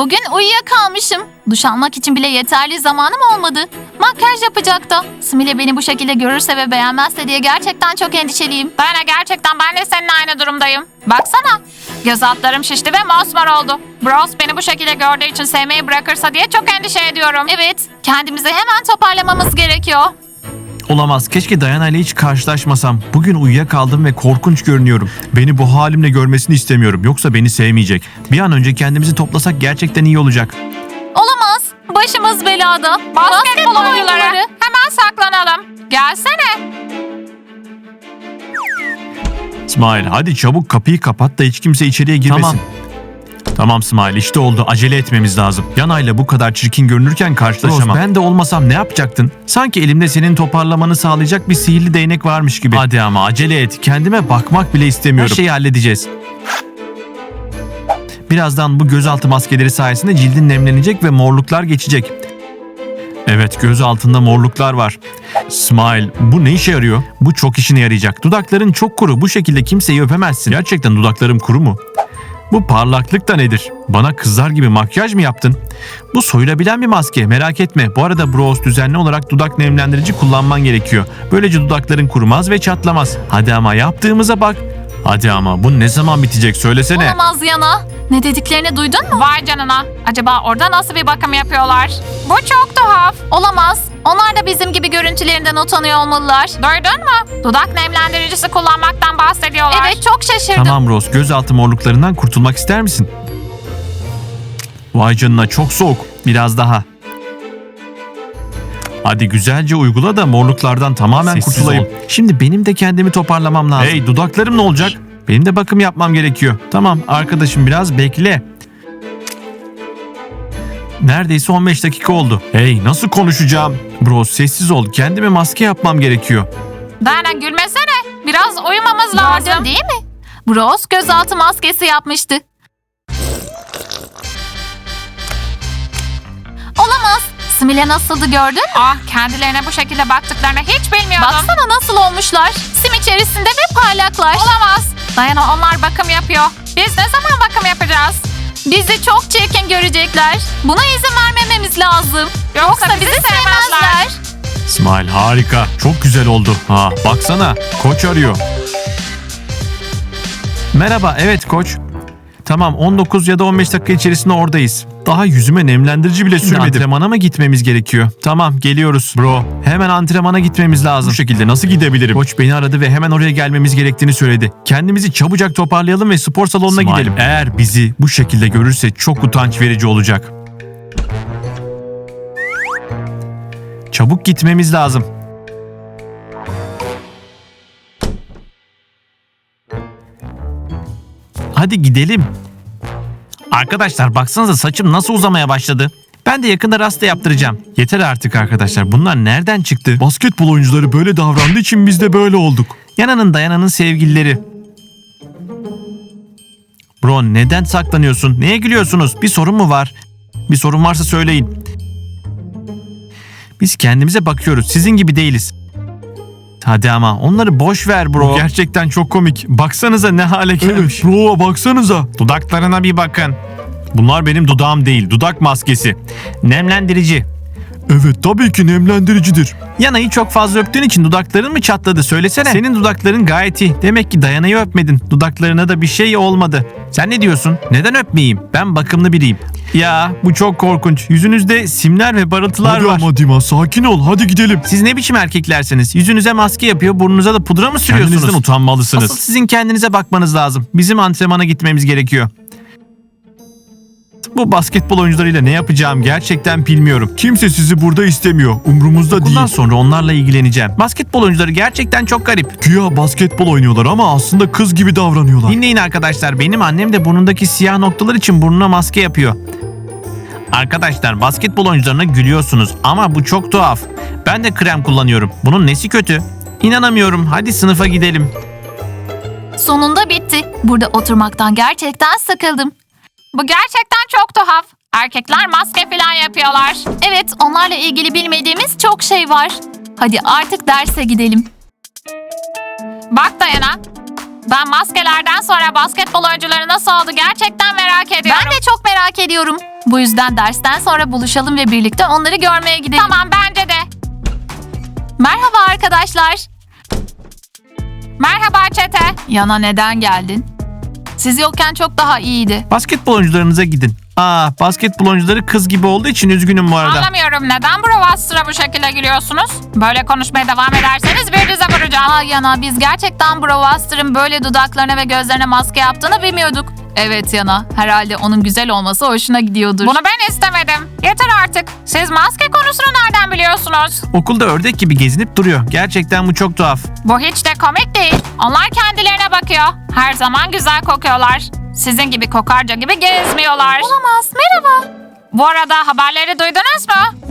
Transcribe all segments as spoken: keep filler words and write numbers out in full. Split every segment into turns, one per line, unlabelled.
Bugün uyuyakalmışım. Duş almak için bile yeterli zamanım olmadı. Makyaj yapacak da. Simile beni bu şekilde görürse ve beğenmezse diye gerçekten çok endişeliyim.
Dayana, gerçekten ben de seninle aynı durumdayım. Baksana. Göz altlarım şişti ve mosmor oldu. Bros beni bu şekilde gördüğü için sevmeyi bırakırsa diye çok endişe ediyorum.
Evet, kendimizi hemen toparlamamız gerekiyor.
Olamaz. Keşke Dayana ile hiç karşılaşmasam. Bugün uyuyakaldım ve korkunç görünüyorum. Beni bu halimle görmesini istemiyorum. Yoksa beni sevmeyecek. Bir an önce kendimizi toplasak gerçekten iyi olacak.
Olamaz. Başımız belada.
Basketbol oyuncuları. Hemen saklanalım. Gelsene.
İsmail, hadi çabuk kapıyı kapat da hiç kimse içeriye girmesin. Tamam. Tamam İsmail, işte oldu. Acele etmemiz lazım. Yanayla bu kadar çirkin görünürken karşılaşamam. Rose, ben de olmasam ne yapacaktın? Sanki elimde senin toparlamanı sağlayacak bir sihirli değnek varmış gibi. Hadi ama acele et. Kendime bakmak bile istemiyorum. Her şeyi halledeceğiz. Birazdan bu gözaltı maskeleri sayesinde cildin nemlenecek ve morluklar geçecek. Evet, göz altında morluklar var. Smile, bu ne işe yarıyor? Bu çok işine yarayacak. Dudakların çok kuru. Bu şekilde kimseyi öpemezsin. Gerçekten dudaklarım kuru mu? Bu parlaklık da nedir? Bana kızlar gibi makyaj mı yaptın? Bu soyulabilen bir maske, merak etme. Bu arada Bros, düzenli olarak dudak nemlendirici kullanman gerekiyor. Böylece dudakların kurumaz ve çatlamaz. Hadi ama, yaptığımıza bak. Hadi ama, bu ne zaman bitecek söylesene.
Olamaz Yana. Ne dediklerini duydun mu?
Vay canına. Acaba orada nasıl bir bakım yapıyorlar? Bu çok tuhaf.
Olamaz. Onlar da bizim gibi görüntülerinden utanıyor olmalılar.
Duydun mu? Dudak nemlendiricisi kullanmaktan bahsediyorlar.
Evet, çok şaşırdım.
Tamam Rose, gözaltı morluklarından kurtulmak ister misin? Vay canına, çok soğuk. Biraz daha. Hadi güzelce uygula da morluklardan tamamen
Sessiz
kurtulayım.
ol.
Şimdi benim de kendimi toparlamam lazım. Hey, dudaklarım ne olacak? Benim de bakım yapmam gerekiyor. Tamam arkadaşım, biraz bekle. Neredeyse on beş dakika oldu. Hey, nasıl konuşacağım? Bro, sessiz ol. Kendime maske yapmam gerekiyor.
Dayana, gülmesene. Biraz uyumamız lazım.
Gördün değil mi? Bros gözaltı maskesi yapmıştı. Olamaz. Simile nasıldı gördün mü?
Ah, kendilerine bu şekilde baktıklarını hiç bilmiyordum.
Baksana nasıl olmuşlar. Sim içerisinde ve parlaklar.
Olamaz. Dayana, onlar bakım yapıyor. Biz ne zaman bakım yapacağız?
Bizi çok çirkin görecekler. Buna izin vermememiz lazım.
Yoksa bizi sevmezler.
İsmail, harika. Çok güzel oldu. Ha, baksana. Koç arıyor. Merhaba, evet koç. Tamam, on dokuz ya da on beş dakika içerisinde oradayız. Daha yüzüme nemlendirici bile sürmedim. Antrenmana mı gitmemiz gerekiyor? Tamam, geliyoruz. Bro, hemen antrenmana gitmemiz lazım. Bu şekilde nasıl gidebilirim? Koç beni aradı ve hemen oraya gelmemiz gerektiğini söyledi. Kendimizi çabucak toparlayalım ve spor salonuna
İsmail,
gidelim. Eğer bizi bu şekilde görürse çok utanç verici olacak. Çabuk gitmemiz lazım. Hadi gidelim. Arkadaşlar baksanıza, saçım nasıl uzamaya başladı. Ben de yakında rasta yaptıracağım. Yeter artık arkadaşlar. Bunlar nereden çıktı?
Basketbol oyuncuları böyle davrandığı için biz de böyle olduk.
Yana'nın Dayana'nın sevgilileri. Bro, neden saklanıyorsun? Neye gülüyorsunuz? Bir sorun mu var? Bir sorun varsa söyleyin. Biz kendimize bakıyoruz. Sizin gibi değiliz. Hadi ama onları boş ver bro.
Bu gerçekten çok komik.
Baksanıza ne hale gelmiş.
Evet bro, baksanıza.
Dudaklarına bir bakın. Bunlar benim dudağım değil. Dudak maskesi. Nemlendirici.
Evet, tabii ki nemlendiricidir.
Yana'yı çok fazla öptüğün için dudakların mı çatladı? Söylesene. Senin dudakların gayet iyi. Demek ki Dayana'yı öpmedin. Dudaklarına da bir şey olmadı. Sen ne diyorsun? Neden öpmeyeyim? Ben bakımlı biriyim. Ya bu çok korkunç. Yüzünüzde simler ve parıltılar
Hadi
var.
ama Dima, sakin ol, hadi gidelim.
Siz ne biçim erkeklersiniz? Yüzünüze maske yapıyor, burnunuza da pudra mı sürüyorsunuz?
Kendinizden utanmalısınız.
Asıl sizin kendinize bakmanız lazım. Bizim antrenmana gitmemiz gerekiyor. Bu basketbol oyuncularıyla ne yapacağım gerçekten bilmiyorum.
Kimse sizi burada istemiyor. Umrumuzda
Bundan
değil.
sonra onlarla ilgileneceğim. Basketbol oyuncuları gerçekten çok garip.
Güya basketbol oynuyorlar ama aslında kız gibi davranıyorlar.
Dinleyin arkadaşlar, benim annem de burnundaki siyah noktalar için burnuna maske yapıyor. Arkadaşlar, basketbol oyuncularına gülüyorsunuz ama bu çok tuhaf. Ben de krem kullanıyorum. Bunun nesi kötü? İnanamıyorum. Hadi sınıfa gidelim.
Sonunda bitti. Burada oturmaktan gerçekten sıkıldım.
Bu gerçekten çok tuhaf. Erkekler maske falan yapıyorlar.
Evet, onlarla ilgili bilmediğimiz çok şey var. Hadi artık derse gidelim.
Bak Dayana. Ben maskelerden sonra basketbol oyuncuları nasıl oldu gerçekten merak ediyorum.
Ben de çok merak ediyorum. Bu yüzden dersten sonra buluşalım ve birlikte onları görmeye gidelim.
Tamam, bence de.
Merhaba arkadaşlar.
Merhaba çete.
Yana neden geldin? Siz yokken çok daha iyiydi.
Basketbol oyuncularınıza gidin. Aa, basketbol oyuncuları kız gibi olduğu için üzgünüm bu arada.
Anlamıyorum, neden Brewmaster'a bu şekilde gülüyorsunuz? Böyle konuşmaya devam ederseniz birbirinize vuracağım.
Aa Yana, biz gerçekten Brewmaster'ın böyle dudaklarına ve gözlerine maske yaptığını bilmiyorduk. Evet Yana, herhalde onun güzel olması hoşuna gidiyordur.
Bunu ben istemedim. Yeter artık. Siz maske konusunu nereden biliyorsunuz?
Okulda ördek gibi gezinip duruyor. Gerçekten bu çok tuhaf.
Bu hiç de komik değil. Onlar kendilerine bakıyor. Her zaman güzel kokuyorlar. Sizin gibi kokarca gibi gezmiyorlar.
Olamaz, merhaba.
Bu arada haberleri duydunuz mu?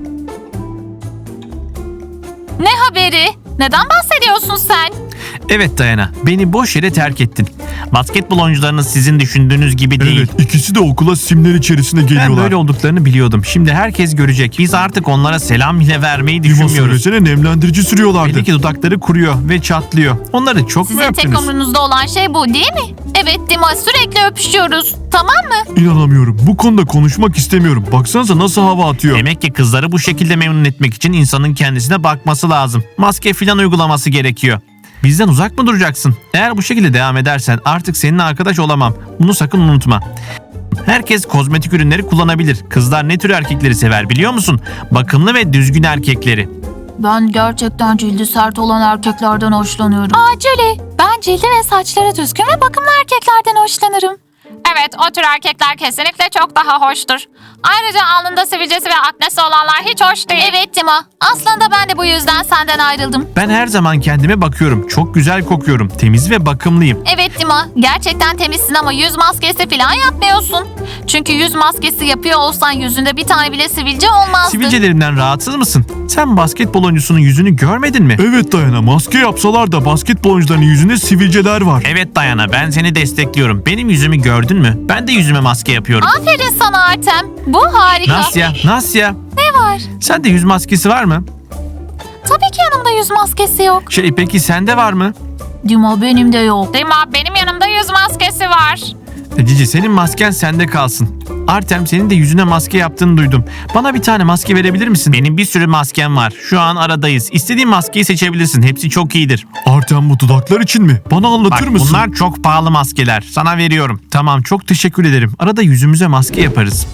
Ne haberi? Neden bahsediyorsun sen?
Evet Dayana, beni boş yere terk ettin. Basketbol oyuncularınız sizin düşündüğünüz gibi değil.
Evet, ikisi de okula simler içerisinde
Ben
geliyorlar.
böyle olduklarını biliyordum. Şimdi herkes görecek. Biz artık onlara selam bile vermeyi
Dima
düşünmüyoruz.
söylesene, nemlendirici sürüyorlardı.
Belli ki dudakları kuruyor ve çatlıyor. Onları çok mu
Sizin tek
öptünüz?
umrunuzda olan şey bu değil mi? Evet Dima, sürekli öpüşüyoruz. Tamam mı?
İnanamıyorum. Bu konuda konuşmak istemiyorum. Baksanıza nasıl hava atıyor.
Demek ki kızları bu şekilde memnun etmek için insanın kendisine bakması lazım. Maske filan uygulaması gerekiyor. Bizden uzak mı duracaksın? Eğer bu şekilde devam edersen artık seninle arkadaş olamam. Bunu sakın unutma. Herkes kozmetik ürünleri kullanabilir. Kızlar ne tür erkekleri sever biliyor musun? Bakımlı ve düzgün erkekleri.
Ben gerçekten cildi sert olan erkeklerden hoşlanıyorum. Aa Julie, ben cildi ve saçları düzgün ve bakımlı erkeklerden hoşlanırım.
Evet, o tür erkekler kesinlikle çok daha hoştur. Ayrıca alnında sivilcesi ve aknesi olanlar hiç hoş değil.
Evet Dima, aslında ben de bu yüzden senden ayrıldım.
Ben her zaman kendime bakıyorum. Çok güzel kokuyorum. Temiz ve bakımlıyım.
Evet Dima, gerçekten temizsin ama yüz maskesi falan yapmıyorsun. Çünkü yüz maskesi yapıyor olsan yüzünde bir tane bile sivilce olmazdı.
Sivilcelerimden rahatsız mısın? Sen basketbol oyuncusunun yüzünü görmedin mi?
Evet Dayana, maske yapsalar da basketbol oyuncularının yüzünde sivilceler var.
Evet Dayana, ben seni destekliyorum. Benim yüzümü gördün mü? Ben de yüzüme maske yapıyorum.
Aferin sana Artem, bu harika.
Nasya, Nasya.
Ne var?
Sende yüz maskesi var mı?
Tabii ki yanımda yüz maskesi yok.
Şey peki sende var mı?
Dima, benim de yok.
Dima, benim yanımda yüz maskesi var.
E, Cici, senin masken sende kalsın. Artem, senin de yüzüne maske yaptığını duydum. Bana bir tane maske verebilir misin? Benim bir sürü maskem var. Şu an aradayız. İstediğin maskeyi seçebilirsin. Hepsi çok iyidir.
Artem, bu dudaklar için mi? Bana anlatır
Bak,
mısın?
bunlar çok pahalı maskeler. Sana veriyorum. Tamam, çok teşekkür ederim. Arada yüzümüze maske yaparız.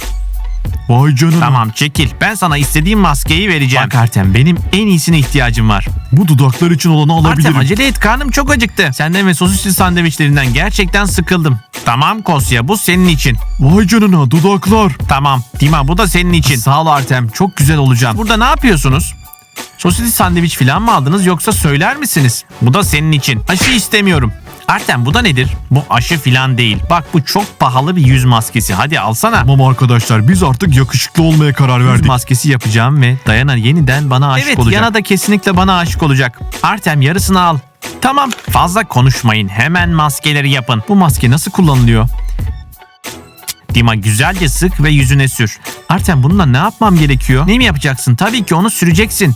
Vay canına.
Tamam, çekil. Ben sana istediğim maskeyi vereceğim. Bak Artem, benim en iyisine ihtiyacım var.
Bu dudaklar için olanı alabilirim.
Artem, acele et, karnım çok acıktı. Senden ve sosisli sandviçlerinden gerçekten sıkıldım. Tamam Kosya, bu senin için.
Vay canına, dudaklar.
Tamam Dima, bu da senin için. Sağ ol Artem, çok güzel olacağım. Burada ne yapıyorsunuz? Sosisli sandviç falan mı aldınız yoksa söyler misiniz? Bu da senin için. Aşı istemiyorum. Artem, bu da nedir? Bu aşı falan değil. Bak, bu çok pahalı bir yüz maskesi. Hadi alsana.
Tamam arkadaşlar, biz artık yakışıklı olmaya karar
Yüz
verdik.
maskesi yapacağım ve Dayana yeniden bana aşık evet, olacak. Evet, Yana da kesinlikle bana aşık olacak. Artem, yarısını al. Tamam, fazla konuşmayın. Hemen maskeleri yapın. Bu maske nasıl kullanılıyor? Dima, güzelce sık ve yüzüne sür. Artem, bununla ne yapmam gerekiyor? Ne mi yapacaksın? Tabii ki onu süreceksin.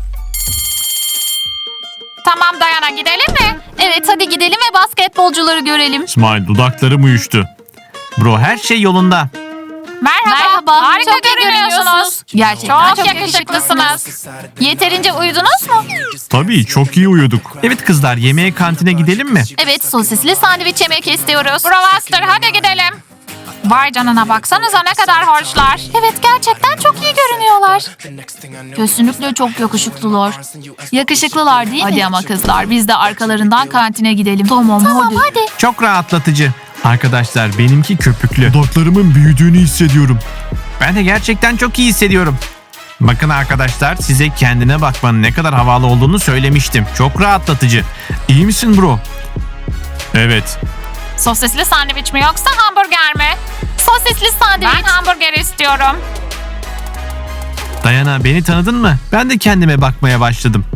Tamam Dayana, gidelim mi?
Evet, hadi gidelim ve basketbolcuları görelim.
İsmail, dudaklarım uyuştu. Bro, her şey yolunda.
Merhaba.
Merhaba,
Harika
çok iyi
görünüyorsunuz.
Gerçekten
Çok,
çok,
yakışıklısınız.
Yeterince uyudunuz mu?
Tabii, çok iyi uyuduk.
Evet kızlar, yemeğe kantine gidelim mi?
Evet, sosisli sandviç yemek istiyoruz.
Brewmaster, hadi gidelim. Vay canına, baksanıza ne kadar hoşlar.
Evet, gerçekten çok iyi görünüyorlar. Kesinlikle çok yakışıklılar. Yakışıklılar değil mi? Hadi ama kızlar, biz de arkalarından kantine gidelim. Tamam, tamam hadi. hadi.
Çok rahatlatıcı. Arkadaşlar, benimki köpüklü.
Dudaklarımın büyüdüğünü hissediyorum.
Ben de gerçekten çok iyi hissediyorum. Bakın arkadaşlar, size kendine bakmanın ne kadar havalı olduğunu söylemiştim. Çok rahatlatıcı. İyi misin bro? Evet.
Sosisli sandviç mi yoksa hamburger mi?
Sosisli sandviç.
Ben hamburger istiyorum.
Dayana, beni tanıdın mı? Ben de kendime bakmaya başladım.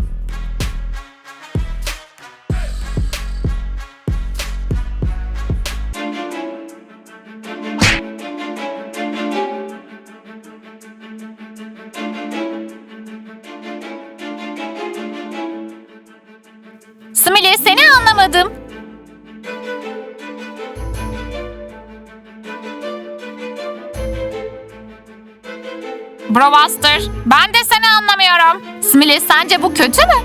Smiley, seni anlamadım.
Bro Buster, ben de seni anlamıyorum.
Smiley, sence bu kötü mü?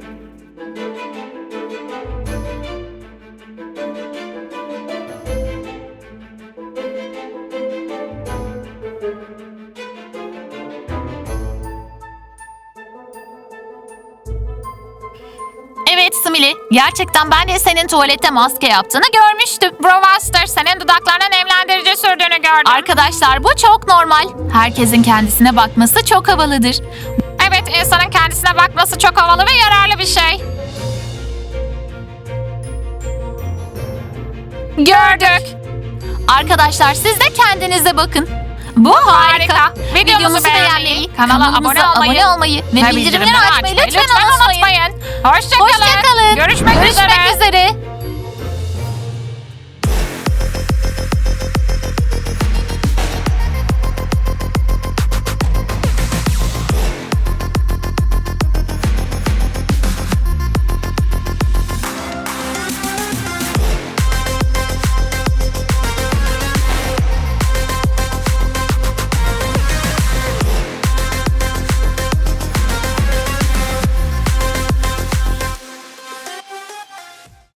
Evet Smiley, gerçekten ben de senin tuvalette maske yaptığını görmüştüm.
Bro Buster, senin dudaklarına nemlendirici sürdüğünü gördüm.
Arkadaşlar, bu çok normal. Herkesin kendisine bakması çok havalıdır.
Evet, insanın kendisine bakması çok havalı ve yararlı bir şey. Gördük.
Arkadaşlar, siz de kendinize bakın. Bu harika.
Harika. Videomuzu beğenmeyi, kanala
kanalımıza
abone olmayı,
abone olmayı ve bildirimleri açmayı lütfen
unutmayın.
unutmayın.
Hoşçakalın.
Hoşçakalın.
Görüşmek,
Görüşmek
üzere.
üzere.